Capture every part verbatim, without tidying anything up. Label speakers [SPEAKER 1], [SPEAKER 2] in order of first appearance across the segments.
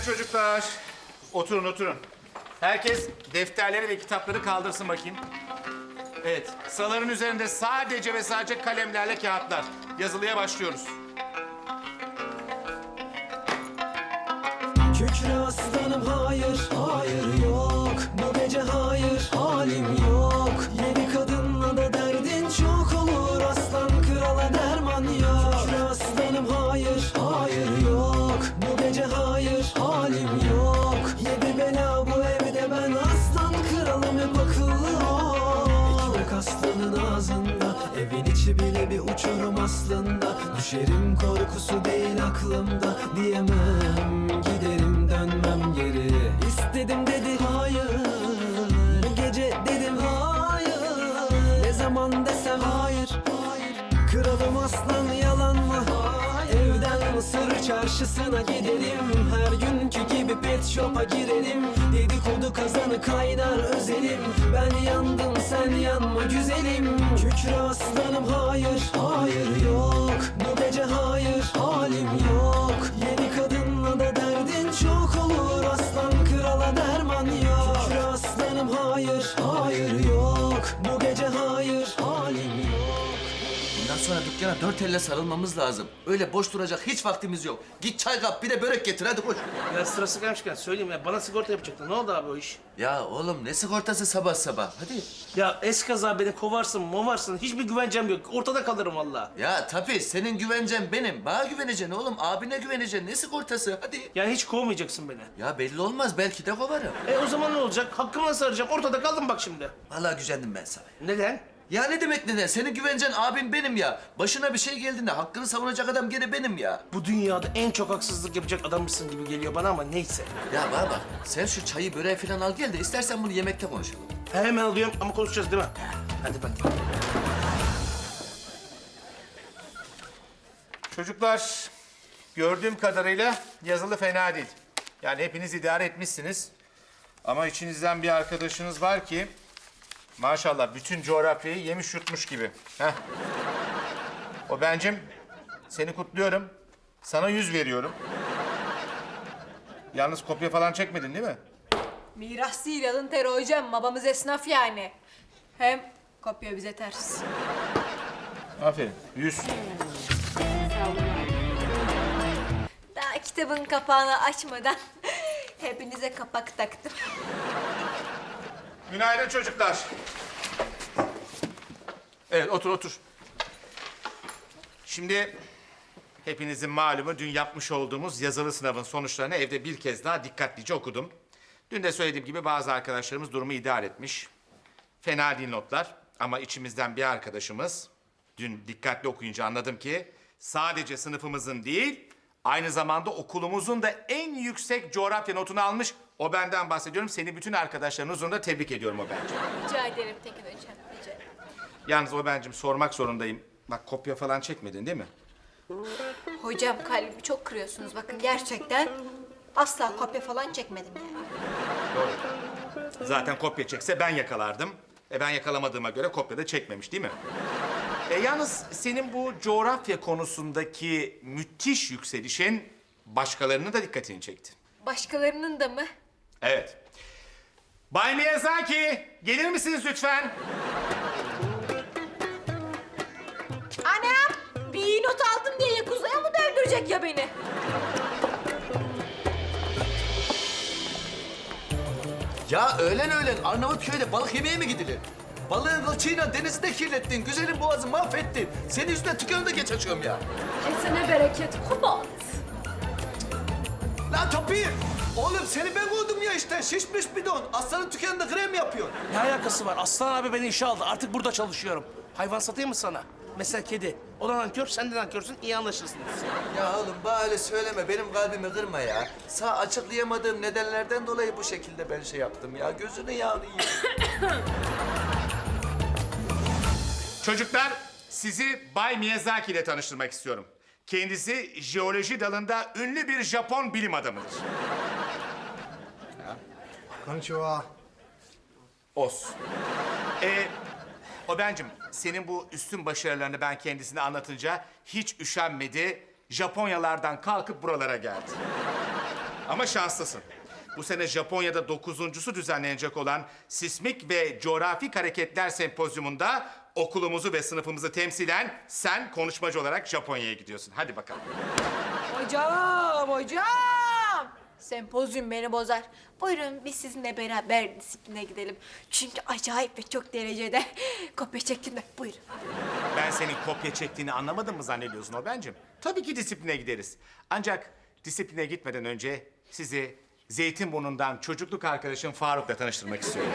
[SPEAKER 1] çocuklar. Oturun, oturun. Herkes defterleri ve kitapları kaldırsın bakayım. Evet, sıraların üzerinde sadece ve sadece kalemlerle kağıtlar. Yazılıya başlıyoruz.
[SPEAKER 2] Kükre aslanım hayır, hayır yok. Bu gece hayır, halim yok. Yedi kadınla da derdin çok olur. Aslan krala derman yok. Kükre aslanım hayır, hayır yok. Bu gece hayır, halim yok. Yedi bela bu evde ben aslan kralım hep akıllı ol. Ekmek aslanın ağzında, evin içi bile bir uçurum aslında. Düşerim korkusu değil aklımda, diyemem giderim dönmem geri. İstedim dedi hayır, bu gece dedim hayır. Ne zaman desem hayır, kralım aslan yalan mı? Evden Mısır çarşısına gidelim, her günkü gibi pet shop'a girelim. Dedikodu kazanı kaynar özelim, ben yandım sen yanma güzelim. Kükre aslanım hayır, hayır yok. Bu gece hayır, halim yok. Yeni kadınla da derdin çok olur. Aslan krala derman yok. Kükre aslanım hayır, hayır yok. Bu gece hayır, halim yok.
[SPEAKER 3] Bundan sonra dükkana dört elle sarılmamız lazım. Öyle boş duracak hiç vaktimiz yok. Git çay kap bir de börek getir hadi koş.
[SPEAKER 4] Ya sırası gelmişken söyleyeyim ya, bana sigorta yapacaktı. Ne oldu abi o iş?
[SPEAKER 3] Ya oğlum ne sigortası sabah sabah hadi.
[SPEAKER 4] Ya eskaza beni kovarsın, movarsın. Hiçbir güvencem yok. Ortada kalırım vallahi.
[SPEAKER 3] Ya tabii senin güvencen benim. Bana güveneceksin oğlum. Abine güveneceksin. Ne sigortası hadi.
[SPEAKER 4] Yani hiç kovmayacaksın beni.
[SPEAKER 3] Ya belli olmaz belki de kovarım.
[SPEAKER 4] E o zaman ne olacak? Hakkımı nasıl arayacağım? Ortada kaldım bak şimdi.
[SPEAKER 3] Vallahi gücendim ben sana.
[SPEAKER 4] Neden?
[SPEAKER 3] Ya ne demek neden? Senin güvencen abim benim ya. Başına bir şey geldiğinde hakkını savunacak adam gene benim ya.
[SPEAKER 4] Bu dünyada en çok haksızlık yapacak adammışsın gibi geliyor bana ama neyse.
[SPEAKER 3] Ya bana bak sen şu çayı böreği falan al gel de istersen bunu yemekte konuşalım.
[SPEAKER 4] Hemen alıyorum ama konuşacağız değil mi? Hadi bak.
[SPEAKER 1] Çocuklar, gördüğüm kadarıyla yazılı fena değil. Yani hepiniz idare etmişsiniz. Ama içinizden bir arkadaşınız var ki... maşallah bütün coğrafyayı yemiş yutmuş gibi. Heh. O bencim, seni kutluyorum. Sana yüz veriyorum. Yalnız kopya falan çekmedin değil mi?
[SPEAKER 5] Miras değil alın teri hocam. Babamız esnaf yani. Hem kopya bize ters.
[SPEAKER 1] Aferin, yüz.
[SPEAKER 5] Daha kitabın kapağını açmadan hepinize kapak taktım.
[SPEAKER 1] Günaydın çocuklar. Evet, otur otur. Şimdi hepinizin malumu dün yapmış olduğumuz yazılı sınavın sonuçlarını evde bir kez daha dikkatlice okudum. Dün de söylediğim gibi bazı arkadaşlarımız durumu idare etmiş. Fena değil notlar ama içimizden bir arkadaşımız dün dikkatli okuyunca anladım ki sadece sınıfımızın değil aynı zamanda okulumuzun da en yüksek coğrafya notunu almış. O benden bahsediyorum. Seni bütün arkadaşların huzurunda tebrik ediyorum o bence.
[SPEAKER 5] Rica ederim Tekin hocam. Rica ederim.
[SPEAKER 1] Yalnız o bencim sormak zorundayım. Bak kopya falan çekmedin değil mi?
[SPEAKER 5] Hocam kalbimi çok kırıyorsunuz. Bakın gerçekten asla kopya falan çekmedim yani.
[SPEAKER 1] Doğru. Zaten kopya çekse ben yakalardım. E ben yakalamadığıma göre kopya da çekmemiş değil mi? E yalnız senin bu coğrafya konusundaki müthiş yükselişin başkalarının da dikkatini çekti.
[SPEAKER 5] Başkalarının da mı?
[SPEAKER 1] Evet. Bay Miyazaki, gelir misiniz lütfen?
[SPEAKER 5] Anam! Bir iyi not aldım diye Yakuza'ya mı döndürecek ya beni?
[SPEAKER 3] Ya öğlen öğlen Arnavutköy'de balık yemeye mi gidilir? Balığın kılçığıyla denizi de kirlettin. Güzelim boğazı mahvettin. Senin yüzünden tükkanında geç açıyorum ya.
[SPEAKER 5] Kesene bereket kubat.
[SPEAKER 3] Lan Topir! Oğlum seni ben kovdum ya işte. Şişmiş bidon. Aslanın dükkanında krem yapıyor.
[SPEAKER 4] Ne alakası var? Aslan abi beni işe aldı. Artık burada çalışıyorum. Hayvan satayım mı sana? Mesela kedi. O da nankör, sen de nankörsün. İyi anlaşırsınız.
[SPEAKER 3] Ya oğlum bana öyle söyleme. Benim kalbimi kırma ya. Sağ açıklayamadığım nedenlerden dolayı bu şekilde ben şey yaptım ya. Gözünü yağını yiyeyim.
[SPEAKER 1] Çocuklar, sizi Bay Miyazaki ile tanıştırmak istiyorum. Kendisi jeoloji dalında ünlü bir Japon bilim adamıdır.
[SPEAKER 6] Konnichiwa.
[SPEAKER 1] Os. Ee, o bencim, senin bu üstün başarılarını ben kendisine anlatınca hiç üşenmedi. Japonyalardan kalkıp buralara geldi. Ama şanslısın. Bu sene Japonya'da dokuzuncusu düzenlenecek olan Sismik ve Coğrafik Hareketler Sempozyumunda okulumuzu ve sınıfımızı temsilen sen konuşmacı olarak Japonya'ya gidiyorsun. Hadi bakalım.
[SPEAKER 5] Hocam, hocam! Sempozyum beni bozar. Buyurun biz sizinle beraber disipline gidelim. Çünkü acayip ve çok derecede kopya çektim de. Buyurun.
[SPEAKER 1] Ben senin kopya çektiğini anlamadın mı zannediyorsun Obencim? Tabii ki disipline gideriz. Ancak disipline gitmeden önce sizi Zeytinburnu'ndan çocukluk arkadaşım Faruk'la tanıştırmak istiyorum.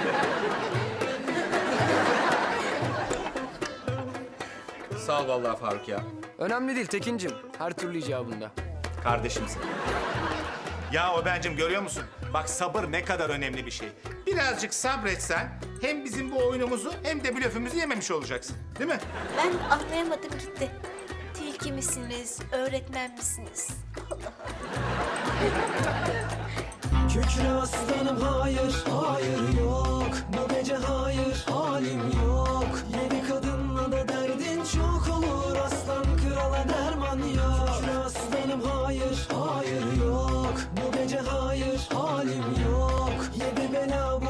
[SPEAKER 1] Sağ ol vallahi Faruk ya.
[SPEAKER 6] Önemli değil Tekin'cim. Her türlü icabında.
[SPEAKER 1] Kardeşimsin. Ya Obencim görüyor musun? Bak sabır ne kadar önemli bir şey. Birazcık sabretsen hem bizim bu oyunumuzu hem de blöfümüzü yememiş olacaksın. Değil mi?
[SPEAKER 5] Ben anlayamadım gitti. Tilki misiniz, öğretmen misiniz?
[SPEAKER 2] Kükre aslanım hayır, hayır yok. Bu gece hayır, halim yok. Yedi kadınla da derdin çok olur. Aslan krala derman yok. Kükre aslanım hayır, hayır yok. Bu gece hayır, halim yok. Yedi bela